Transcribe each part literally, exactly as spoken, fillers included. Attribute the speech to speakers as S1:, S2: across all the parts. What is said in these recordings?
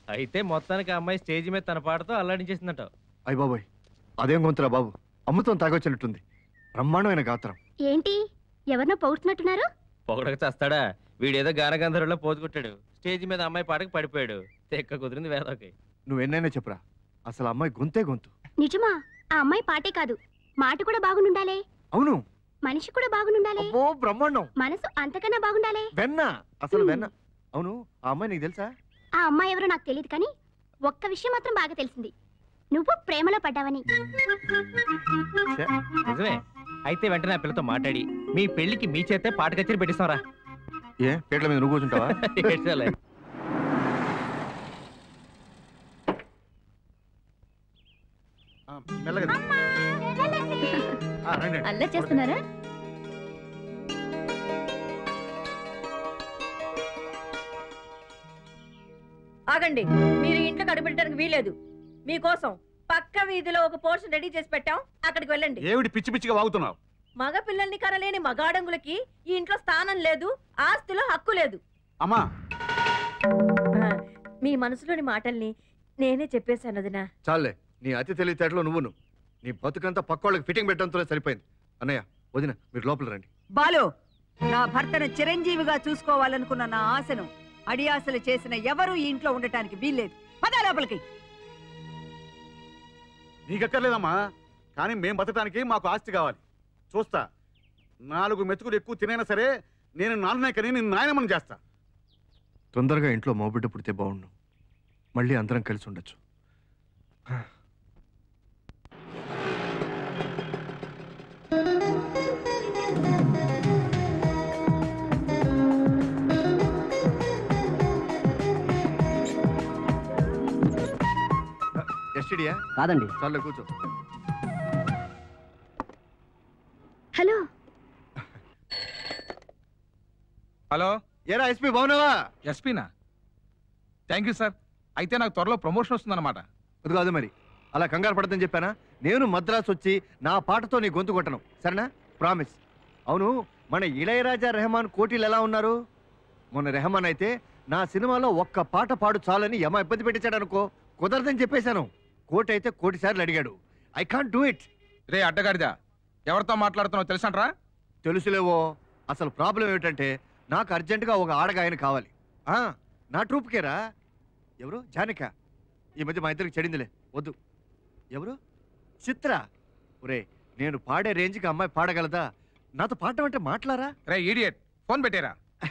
S1: అయితే మొత్తానికి ఆ అమ్మాయి స్టేజ్ మీద తన పాటతో అల్లాడించేసిందట.
S2: అయ్య బాబోయ్, అదేం గొంతురా బాబు, అమృతం తాగొచ్చినట్టుంది. బ్రహ్మాండమైన గాత్రం.
S3: ఏంటి ఎవరినో పొగుడుతున్నట్టున్నారు?
S1: పొగడక చేస్తాడా, వీడేదో గానగంధర్వులో పోజు కొట్టాడు, స్టేజ్ మీద అమ్మాయి పాటకు పడిపోయాడు. తెక్క కుదిరింది వేదోకి.
S2: నువ్వు ఎన్నైనా చెప్పురా, అసలు అమ్మాయి గొంతే గొంతు.
S3: నిజమా? ఆ అమ్మాయి పాటే కాదు, మాట కూడా బాగుండాలే.
S2: అవును,
S3: మనిషి కూడా బాగుండాలే.
S2: అబ్బో బ్రహ్మాండం.
S3: మనసు అంతకన్నా బాగుండాలే.
S2: వెన్న, అసలు వెన్న. అవును, ఆ అమ్మాయి నీకు తెలుసా?
S3: ఆ అమ్మాయి ఎవరో నాకు తెలియదు, కానీ ఒక్క విషయం మాత్రం బాగా తెలిసింది, నువ్వు ప్రేమలో పడ్డావని.
S1: నిజమే. అయితే వెంటనే ఆ పిల్లతో మాట్లాడి మీ పెళ్లికి మీ చేతే పాట కచేరి పెట్టిస్తారా?
S2: ఏ పేట్ల మీద నువ్వు కూర్చుంటావా?
S3: అల్లరి చేస్తున్నారా?
S4: ఆగండి, మీరు ఇంట్లో కడుపెట్టడానికి వీలేదు. మీకోసం పక్క వీధిలో ఒక పోర్షన్ రెడీ చేసి పెట్టాం, అక్కడికి వెళ్ళండి.
S5: ఏమిటి పిచ్చి పిచ్చిగా వాగుతున్నావు?
S4: మగ పిల్లల్ని కనలేని మగాడంగులకి ఈ ఇంట్లో స్థానం లేదు, ఆస్తిలో హక్కు లేదు.
S5: అమ్మా,
S4: మీ మనసులోని మాటల్ని నేనే చెప్పేశాను వదినా.
S2: చాలే, నీ అతి తెలివితేటలో నువ్వును. నీ బతుకంతా పక్కోళ్ళకి ఫిట్టింగ్ పెట్టడంతో సరిపోయింది. అన్నయ్య, వదిన, మీరు లోపల రండి.
S6: బాలు, నా భర్తను చిరంజీవిగా చూసుకోవాలనుకున్న నా ఆశను అడియాసలు చేసిన ఎవరు ఈ ఇంట్లో ఉండటానికి వీల్లేదు. పద లోపలికి.
S5: నీకెక్కర్లేదమ్మా, కానీ మేం బతకడానికి మాకు ఆస్తి కావాలి. చూస్తా, నాలుగు మెతుకులు ఎక్కువ తినైనా సరే నేను నాన్ననే కని నేను నాయనమ్మని చేస్తా.
S2: తొందరగా ఇంట్లో మోబిడ్డ పుడితే బాగుండు, మళ్ళీ అందరం కలిసి ఉండొచ్చు. ఎస్టీడీయా?
S7: కాదండి.
S2: చాలే, కూర్చో.
S3: హలో
S8: హలో,
S2: ఏరా ఎస్పీ, బాగున్నావా?
S8: ఎస్పీనా? Thank you sir. అయితే నాకు త్వరలో ప్రమోషన్ వస్తుందన్నమాట.
S2: అది కాదు మరి, అలా కంగారు పడదని చెప్పానా? నేను మద్రాసు వచ్చి నా పాటతో నీ గొంతు కొట్టను, సరేనా? ప్రామిస్. అవును, మన ఇళయరాజా రెహమాన్ కోటీలు ఎలా ఉన్నారు? మొన్న రెహమాన్ అయితే నా సినిమాలో ఒక్క పాట పాడు చాలని యమ ఇబ్బంది పెట్టించాడు అనుకో, కుదరదని చెప్పేశాను. కోటి అయితే కోటి సార్లు అడిగాడు. I can't do it.
S8: రే అడ్డగాడిదా, ఎవరితో మాట్లాడుతున్నావు తెలుసంట్రా?
S2: తెలుసులేవో. అసలు ప్రాబ్లం ఏమిటంటే నాకు అర్జెంటుగా ఒక ఆడగాయన కావాలి. ఆ నా ట్రూప్కేరా. ఎవరు? జానిక. ఈ మధ్య మా ఇద్దరికి చెడిందిలే, వద్దు. ఎవరు? చిత్ర. ఒరే, నేను పాడే రేంజ్కి అమ్మాయి పాడగలదా? నాతో పాడటం అంటే మాట్లారా?
S8: రే ఈడియట్, ఫోన్ పెట్టేరా.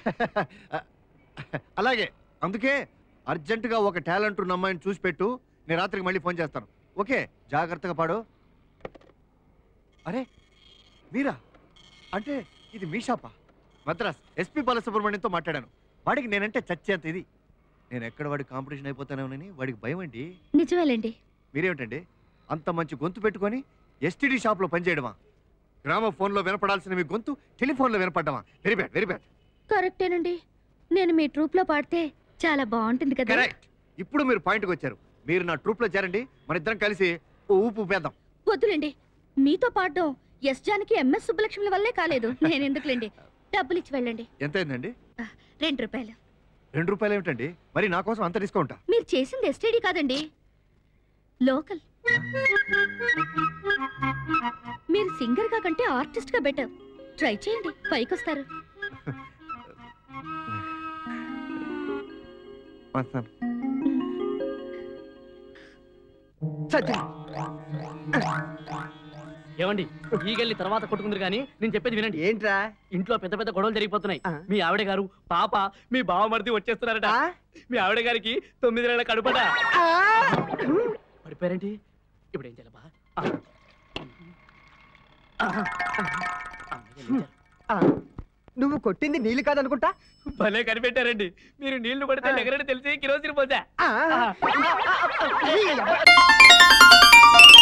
S2: అలాగే, అందుకే అర్జెంటుగా ఒక టాలెంట్ ఉన్న అమ్మాయిని చూసి పెట్టు, నేను రాత్రికి మళ్ళీ ఫోన్ చేస్తాను. ఓకే, జాగ్రత్తగా పాడు. అరే మీరా? అంటే ఇది మీ షాపా? మద్రాస్ ఎస్పీ బాలసుబ్రహ్మణ్యంతో మాట్లాడాను. వాడికి నేనంటే చచ్చేంత ఇది. నేను ఎక్కడ వాడికి కాంపిటీషన్ అయిపోతానేమోనని వాడికి భయం అండి.
S3: నిజమేలేండి.
S2: మీరేమిటండి అంత మంచి గొంతు పెట్టుకొని ఎస్టీడీ షాప్లో పనిచేయడమా? గ్రామ ఫోన్లో వినపడాల్సిన మీ గొంతు టెలిఫోన్లో వినపడ్డమా? Very bad, very bad.
S3: కరెక్టేనండి, నేను మీ ట్రూప్ లో పాడితే చాలా బాగుంటుంది కదా.
S2: కరెక్ట్. ఇప్పుడు మీరు పాయింట్కి వచ్చారు. మీరు నా ట్రూప్ లో చేరండి, మన ఇద్దరం కలిసి ఊపు ఊపేద్దాం.
S3: వద్దులేండి, మీతో పాడడం ఎస్ జానకి ఎంఎస్ సుబ్బలక్ష్మి వల్లే కాలేదు. నేను ఎందుకులేండి, డబ్బులు ఇచ్చి వెళ్ళండి.
S2: ఎంత అయిందండి?
S3: రెండు రూపాయలు.
S2: రెండు రూపాయలు ఏమిటండి? మరి నా కోసం అంత డిస్కౌంటా?
S3: మీరు చేసింది ఎస్టీడీ కాదండి, లోకల్. మీరు సింగర్ గా కంటే ఆర్టిస్ట్ గా బెటర్. ట్రై చేయండి, పైకి వస్తారు.
S7: ఏమండి, ఈగల్ని తర్వాత కొట్టుకుందరు కానీ నేను చెప్పేది వినండి.
S9: ఏంట్రా?
S7: ఇంట్లో పెద్ద పెద్ద గొడవలు జరిగిపోతున్నాయి. మీ ఆవిడ గారు పాప మీ బావమరిది వచ్చేస్తున్నారట. మీ ఆవిడ గారికి తొమ్మిది నెలల కడుపట. పడిపోయారేంటి? ఇప్పుడు ఏం చేయాలబ్బా?
S9: నువ్వు కొట్టింది నీళ్ళు కాదనుకుంటా.
S7: భలే కనిపెట్టారండి. మీరు నీళ్లు పడితే ఎగరని తెలిసి కిరోసిన్ పోసా.